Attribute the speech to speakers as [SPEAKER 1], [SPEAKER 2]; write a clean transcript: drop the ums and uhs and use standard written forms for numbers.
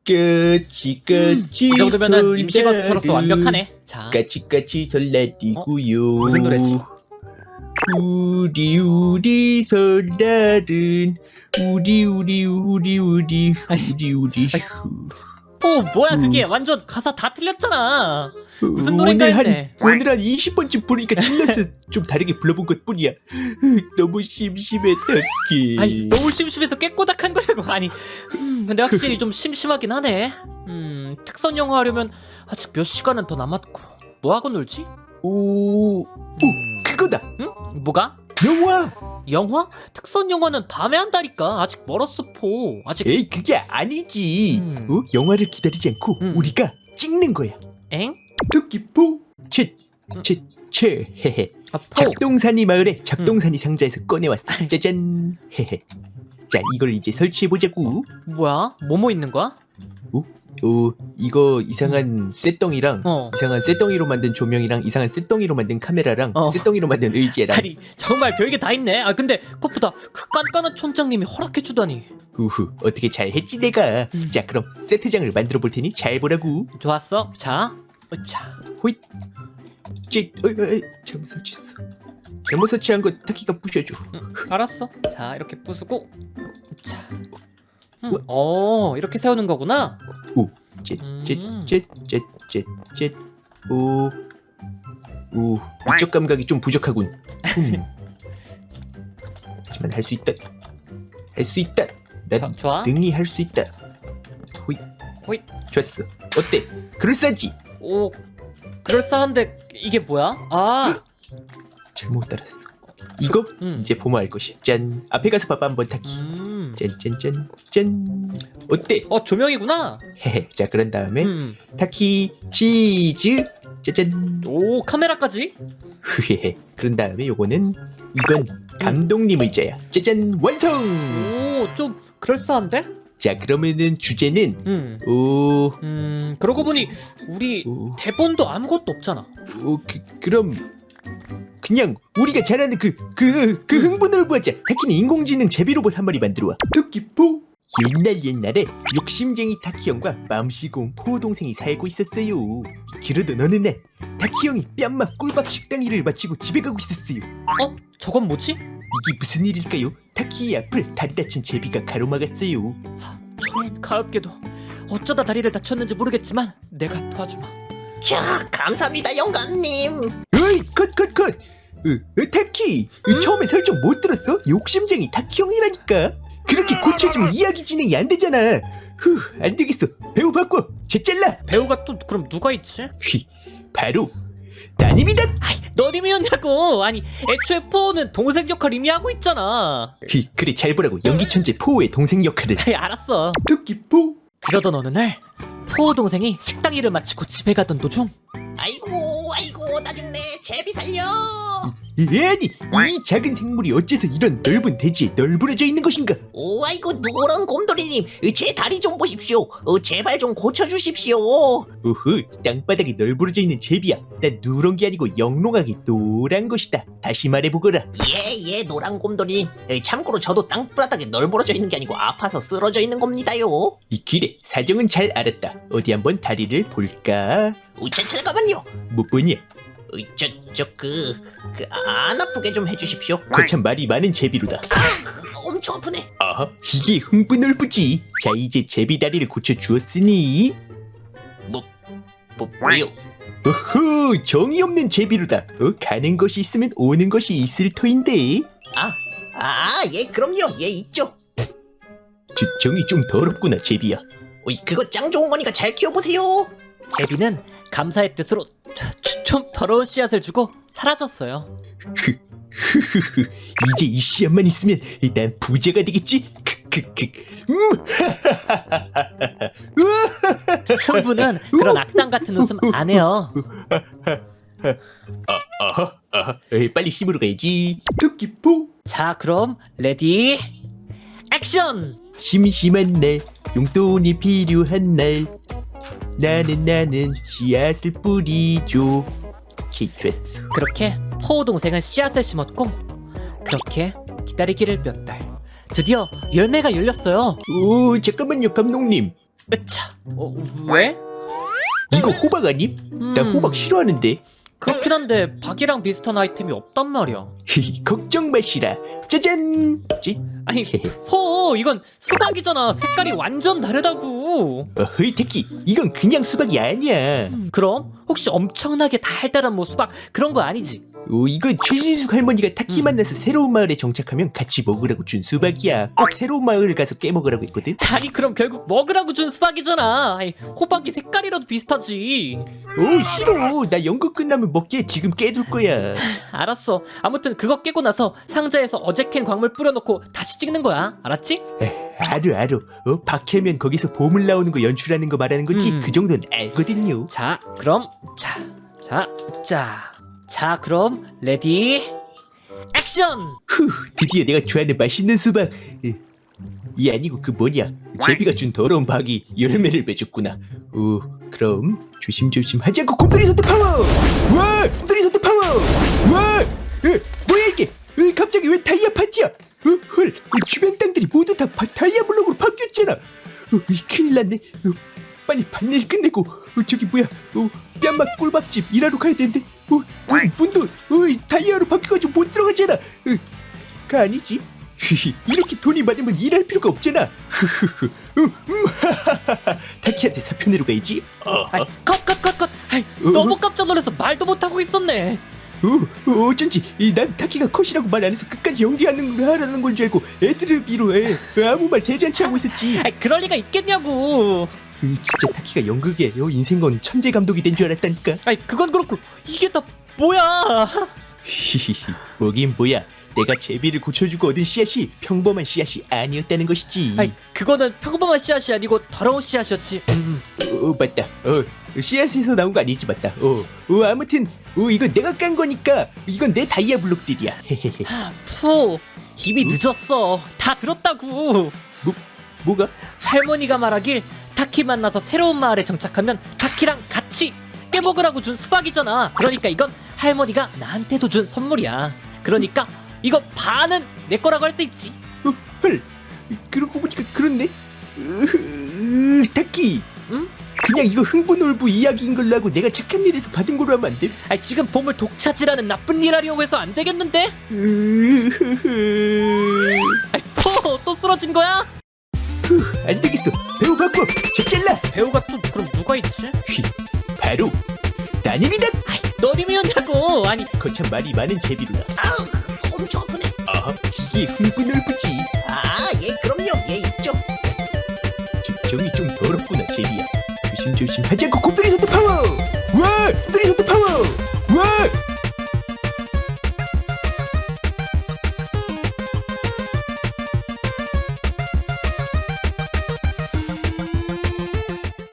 [SPEAKER 1] 까치까치
[SPEAKER 2] 이 정도면은 임시가수로서 완벽하네. 자,
[SPEAKER 1] 까치까치 설날이고요.
[SPEAKER 2] 무슨 노래지?
[SPEAKER 1] 우리 설날은 우리
[SPEAKER 2] 뭐야 그게 완전 가사 다 틀렸잖아. 무슨 노래인가 했네.
[SPEAKER 1] 오늘 한 20번쯤 부르니까 질려서 좀 다르게 불러본 것뿐이야. 너무 심심해 딱히.
[SPEAKER 2] 아니 너무 심심해서 깨꼬닥한 거라고. 아니 근데 확실히 좀 심심하긴 하네. 특선 영어 하려면 아직 몇 시간은 더 남았고. 뭐 하고 놀지?
[SPEAKER 1] 오 그거다.
[SPEAKER 2] 응? 뭐가?
[SPEAKER 1] 영화.
[SPEAKER 2] 영화? 특선 영화는 밤에 한다니까. 아직 멀었어 포. 아직.
[SPEAKER 1] 에이 그게 아니지. 영화를 기다리지 않고 우리가 찍는 거야.
[SPEAKER 2] 엥?
[SPEAKER 1] 토끼포 채 헤헤.
[SPEAKER 2] 아, 포.
[SPEAKER 1] 잡동사니 마을에 잡동사니 상자에서 꺼내왔어. 짜잔 헤헤. 자 이걸 이제 설치해보자고.
[SPEAKER 2] 뭐야? 뭐뭐 있는 거야?
[SPEAKER 1] 이거 이상한 쇳덩이랑 이상한 쇳덩이로 만든 조명이랑 이상한 쇳덩이로 만든 카메라랑 쇳덩이로 만든 의자랑.
[SPEAKER 2] 아니 정말 별게 다 있네. 아 근데 그것보다 그 깐깐한 촌장님이 허락해주다니.
[SPEAKER 1] 우후 어떻게 잘 했지 내가. 자 그럼 세트장을 만들어 볼 테니 잘 보라고.
[SPEAKER 2] 좋았어. 자, 으차.
[SPEAKER 1] 호잇. 잘못 설치했어. 잘못 설치한 거 타키가 부셔줘.
[SPEAKER 2] 알았어. 자 이렇게 부수고. 자. 이렇게 세우는 거구나.
[SPEAKER 1] 쨉. 오 위쪽 감각이 좀 부족하군. 하지만 할 수 있다. 난
[SPEAKER 2] 좋아.
[SPEAKER 1] 능히 할 수 있다.
[SPEAKER 2] 호잇.
[SPEAKER 1] 좋았어. 어때? 그럴싸하지?
[SPEAKER 2] 오, 그럴싸한데 이게 뭐야? 아,
[SPEAKER 1] 잘못 따랐어. 이거 이제 보면 알 것이야. 짠. 앞에 가서 봐봐 한번 타키. 짠. 어때?
[SPEAKER 2] 조명이구나.
[SPEAKER 1] 헤헤. 자 그런 다음에 타키 치즈. 짜잔.
[SPEAKER 2] 오, 카메라까지.
[SPEAKER 1] 흐헤헤. 그런 다음에 이건 감독님 의자야. 짜잔 완성.
[SPEAKER 2] 오, 좀 그럴싸한데?
[SPEAKER 1] 자 그러면은 주제는
[SPEAKER 2] 그러고 보니 우리 대본도 아무것도 없잖아.
[SPEAKER 1] 그럼 그냥 우리가 잘하는 그 흥분을 보자. 타키는 인공지능 제비로봇 한 마리 만들어와. 토끼포. 옛날에 욕심쟁이 타키 형과 맘시고운 포 동생이 살고 있었어요. 그러던 어느 날 타키 형이 뺨맛 꿀밥 식당 일을 마치고 집에 가고 있었어요.
[SPEAKER 2] 저건 뭐지?
[SPEAKER 1] 이게 무슨 일일까요? 타키의 앞을 다리 다친 제비가 가로막았어요.
[SPEAKER 2] 저런 가엾게도 어쩌다 다리를 다쳤는지 모르겠지만 내가 도와주마.
[SPEAKER 3] 캬, 감사합니다 영감님.
[SPEAKER 1] 어이 컷. 타키 처음에 설정 못 들었어? 욕심쟁이 타키 형이라니까. 그렇게 고쳐주면 이야기 진행이 안 되잖아. 안 되겠어. 배우 바꿔. 쟤 잘라.
[SPEAKER 2] 배우가 또 그럼 누가 있지?
[SPEAKER 1] 바로 따님이다.
[SPEAKER 2] 아이, 너님이었냐고. 아니 애초에 포는 동생 역할 이미 하고 있잖아.
[SPEAKER 1] 그래 잘 보라고. 연기 천재 포의 동생 역할을.
[SPEAKER 2] 알았어.
[SPEAKER 1] 토끼포.
[SPEAKER 2] 그러던 어느 날 포 동생이 식당 일을 마치고 집에 가던 도중
[SPEAKER 3] 아이고 나 죽네. 제비 살려.
[SPEAKER 1] 아니 이 작은 생물이 어째서 이런 넓은 대지에 널브러져 있는 것인가?
[SPEAKER 3] 오 아이고 누런 곰돌이님, 제 다리 좀 보십시오. 제발 좀 고쳐주십시오.
[SPEAKER 1] 땅바닥에 널브러져 있는 제비야. 난 누런 게 아니고 영롱하게 노란 것이다. 다시 말해보거라.
[SPEAKER 3] 예 노란 곰돌이님. 참고로 저도 땅바닥에 널브러져 있는 게 아니고 아파서 쓰러져 있는 겁니다요.
[SPEAKER 1] 이 길에 사정은 잘 알았다. 어디 한번 다리를 볼까?
[SPEAKER 3] 잠깐만요.
[SPEAKER 1] 뭐 보냐?
[SPEAKER 3] 안 아프게 좀 해주십시오.
[SPEAKER 1] 거참 말이 많은 제비로다.
[SPEAKER 3] 엄청 아프네.
[SPEAKER 1] 아하, 이게 흥분얼부지. 자 이제 제비 다리를 고쳐주었으니
[SPEAKER 3] 뭐요?
[SPEAKER 1] 어허, 정이 없는 제비로다. 가는 것이 있으면 오는 것이 있을 터인데.
[SPEAKER 3] 예 그럼요. 예 있죠.
[SPEAKER 1] 정이 좀 더럽구나 제비야.
[SPEAKER 3] 그거 짱 좋은 거니까 잘 키워보세요.
[SPEAKER 2] 제비는 감사의 뜻으로 좀 더러운 씨앗을 주고 사라졌어요.
[SPEAKER 1] 이제 이 씨앗만 있으면 난 부자가 되겠지.
[SPEAKER 2] 흥부는 그런 악당 같은 웃음 안 해요.
[SPEAKER 1] 빨리 심으러 가야지. 토끼포.
[SPEAKER 2] 자 그럼 레디 액션.
[SPEAKER 1] 심심한 날 용돈이 필요한 날 나는 씨앗을 뿌리죠. 좋았어.
[SPEAKER 2] 그렇게 포 동생은 씨앗을 심었고 그렇게 기다리기를 몇 달. 드디어 열매가 열렸어요.
[SPEAKER 1] 잠깐만요 감독님.
[SPEAKER 2] 으차. 왜?
[SPEAKER 1] 이거 호박 아님? 나 호박 싫어하는데.
[SPEAKER 2] 그렇긴 한데 박이랑 비슷한 아이템이 없단 말이야.
[SPEAKER 1] 걱정 마시라. 짜잔. 찌?
[SPEAKER 2] 아니 포 이건 수박이잖아. 색깔이 완전 다르다고.
[SPEAKER 1] 어허이 택키, 이건 그냥 수박이 아니야.
[SPEAKER 2] 그럼 혹시 엄청나게 달달한 뭐 수박 그런 거 아니지?
[SPEAKER 1] 이건 최진숙 할머니가 타키 만나서 새로운 마을에 정착하면 같이 먹으라고 준 수박이야. 꼭 새로운 마을 가서 깨먹으라고 했거든.
[SPEAKER 2] 아니 그럼 결국 먹으라고 준 수박이잖아. 아니, 호박이 색깔이라도 비슷하지.
[SPEAKER 1] 오 싫어. 나 연극 끝나면 먹게. 지금 깨둘 거야.
[SPEAKER 2] 알았어. 아무튼 그거 깨고 나서 상자에서 어제 캔 광물 뿌려놓고 다시 찍는 거야. 알았지?
[SPEAKER 1] 알어. 박해면 거기서 보물 나오는 거 연출하는 거 말하는 거지. 그 정도는 알거든요.
[SPEAKER 2] 자 그럼 자 그럼 레디 액션.
[SPEAKER 1] 후, 드디어 내가 좋아하는 맛있는 수박. 이 아니고 그 뭐냐, 제비가 준 더러운 박이 열매를 맺었구나. 그럼 조심조심 하자고. 곰돌이 소트 파워. 와, 곰돌이 소트 파워. 와, 뭐야 이게? 갑자기 왜 다이아 파티야? 헐, 주변 땅들이 모두 다 다이아 블록으로 바뀌었잖아. 큰일 났네. 빨리 반일 끝내고 저기 뭐야, 뺨맛 꿀밥집 일하러 가야 되는데. 문도 다이아로 바뀌어가지고 못 들어가잖아. 그 아니지? 이렇게 돈이 많으면 일할 필요가 없잖아. 타키한테 사표 내러 가야지.
[SPEAKER 2] 컷. 너무 깜짝 놀라서 말도 못하고 있었네.
[SPEAKER 1] 어쩐지 난 타키가 컷이라고 말 안 해서 끝까지 연기하라는 건 줄 알고 애드립으로 아무 말 대잔치 하고 있었지.
[SPEAKER 2] 그럴 리가 있겠냐고.
[SPEAKER 1] 진짜 타키가 연극에 인생건 천재 감독이 된 줄 알았다니까.
[SPEAKER 2] 그건 그렇고 이게 다 뭐야?
[SPEAKER 1] 뭐긴 뭐야. 내가 제비를 고쳐주고 얻은 씨앗이 평범한 씨앗이 아니었다는 것이지.
[SPEAKER 2] 그거는 평범한 씨앗이 아니고 더러운 씨앗이었지.
[SPEAKER 1] 맞다. 씨앗에서 나온 거 아니지. 맞다. 아무튼 이건 내가 깐 거니까 이건 내 다이아 블록들이야.
[SPEAKER 2] 포 이미 늦었어. 다 들었다고.
[SPEAKER 1] 뭐가?
[SPEAKER 2] 할머니가 말하길 타키 만나서 새로운 마을에 정착하면 타키랑 같이 깨먹으라고 준 수박이잖아. 그러니까 이건 할머니가 나한테도 준 선물이야. 그러니까 이거 반은 내 거라고 할 수 있지.
[SPEAKER 1] 헐, 그러고 보니까 그렇네. 타키.
[SPEAKER 2] 응?
[SPEAKER 1] 그냥 이거 흥분올부 이야기인 걸로 하고 내가 착한 일에서 받은 걸로 하면 안 돼?
[SPEAKER 2] 지금 보물 독차지라는 나쁜 일 하려고 해서 안 되겠는데? 포 또 쓰러진 거야?
[SPEAKER 1] 안 되겠어. 배우 바꿔. 집 잘라.
[SPEAKER 2] 배우가 또 그럼 누가 있지?
[SPEAKER 1] 바로 따님이다.
[SPEAKER 2] 너님이었냐고. 아니
[SPEAKER 1] 거참 말이 많은 제비로다.
[SPEAKER 3] 엄청 아프네.
[SPEAKER 1] 이게 흥분올부지.
[SPEAKER 3] 예, 그럼요. 예, 있죠.
[SPEAKER 1] 정이 좀 더럽구나 제비야. 조심조심 하자고. 곰돌이 소트 파워.